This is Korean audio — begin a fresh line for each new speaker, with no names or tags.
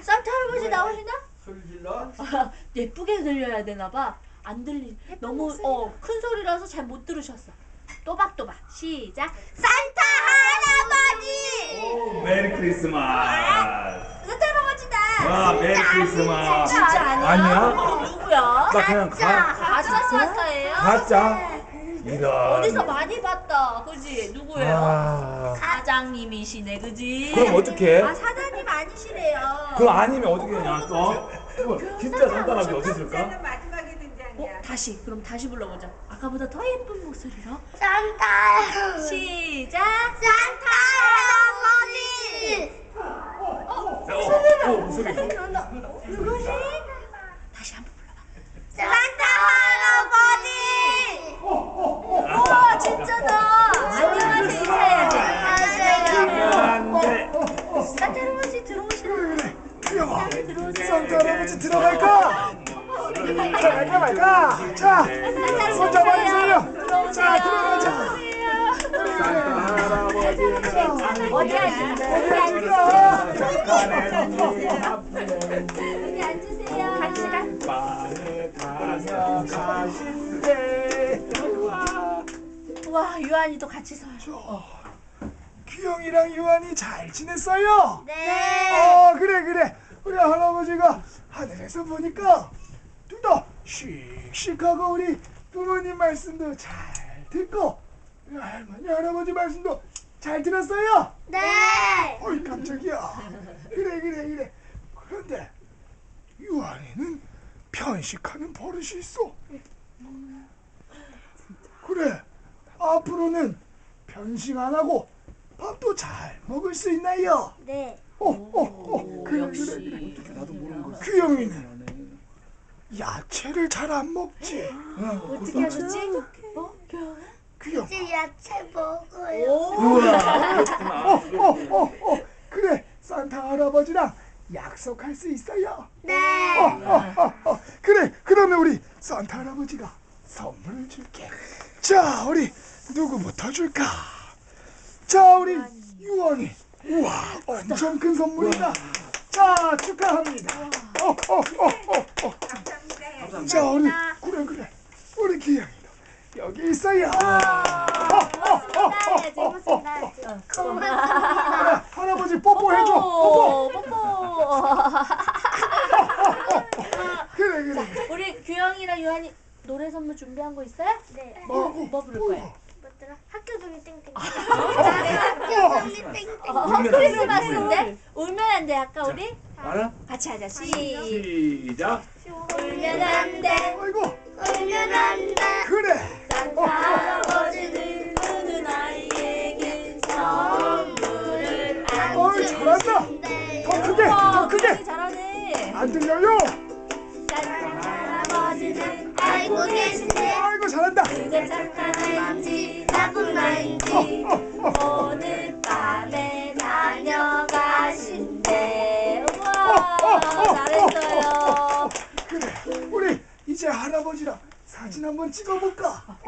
산타 할아버지 나오시나?
소리 질러?
예쁘게 들려야 되나봐. 안 들리. 너무 큰 소리라서 잘 못 들으셨어. 또박또박 시작. 산타 할아버지.
오, 메리 크리스마스.
산타 할아버지다.
와, 메리 크리스마스.
진짜 아니야?
아니야?
그럼 누구야?
나 그냥
가짜 산타예요?
가짜? 이런.
어디서 많이 봤다. 그지? 누구예요?
아,
사장님이시네. 그지?
그럼 어떡해?
아 사장님 아니시래요.
그거 아니면 어떻게 되냐 또? 진짜 산타라고 어디 있을까?
마지막에 등장이야.
다시 그럼 다시 불러보자. 아까보다 더 예쁜 목소리로.
산타
시작.
산타 할아버지
목소리.
누구지? 다시 한번 불러봐.
산타 할아버지
우와 진짜다. 안녕하세요 인사해야지.
안돼.
산타 할아버지 들어오시나?
산타 할아버지 들어갈까? 들어갈까 말까? 자, 손 잡아주세요. 자, 들어가자.
어디 앉으세요?
어디 앉을까?
여기 앉으세요. 갑시다.
밤에 다녀가신대.
우와 유한이도 같이 서요.
규영이랑 유한이 잘 지냈어요?
네
그래. 우리 할아버지가 하늘에서 보니까 둘 다 씩씩하고 우리 부모님 말씀도 잘 듣고 우리 할머니 할아버지 말씀도 잘 들었어요?
네.
어이 깜짝이야. 그래. 그런데 유한이는 편식하는 버릇이 있어. 그래. 앞으로는 편식 안 하고 밥도 잘 먹을 수 있나요?
네.
그래.
나도 모르는 거.
규영이는 야채를 잘 안 먹지.
어떻게 하셨지?
규영.
이제 야채 먹어요.
우와.
그래. 산타 할아버지랑 약속할 수 있어요?
네.
그래. 그러면 우리 산타 할아버지가 선물을 줄게. 자, 우리 누구부터 줄까? 자, 우리 유한이. 우와, 엄청 큰 선물이다. 자, 축하합니다.
감사합니다.
자, 우리 그래. 우리 기영이도 여기 있어요.
고맙습니다.
할아버지 뽀뽀해줘. 뽀뽀. 그래.
우리 규영이랑 유한이 노래 선물 준비한 거 있어요?
네.
뭐 부를 거예요?
뭐더라? 학교 종이 땡땡.
어,
학교 종이 땡땡.
크리스마스인데 울면 안 돼. 아까 우리
알아?
같이 하자.
시작.
울면 안 돼.
아이고.
울면 안 돼.
그래.
산타 할아버지는 누는 아이에게 선물을 안
어이, 잘한다. 더 크게. 더 크게.
잘하네.
안 들려요?
산타 할아버지는
알고 계신데
아이고, 잘한다.
그게 착한지
나쁜 말인지
오늘 밤에 다녀가신대. 우와 잘했어요.
그래. 우리 이제 할아버지랑 사진 한번 찍어볼까?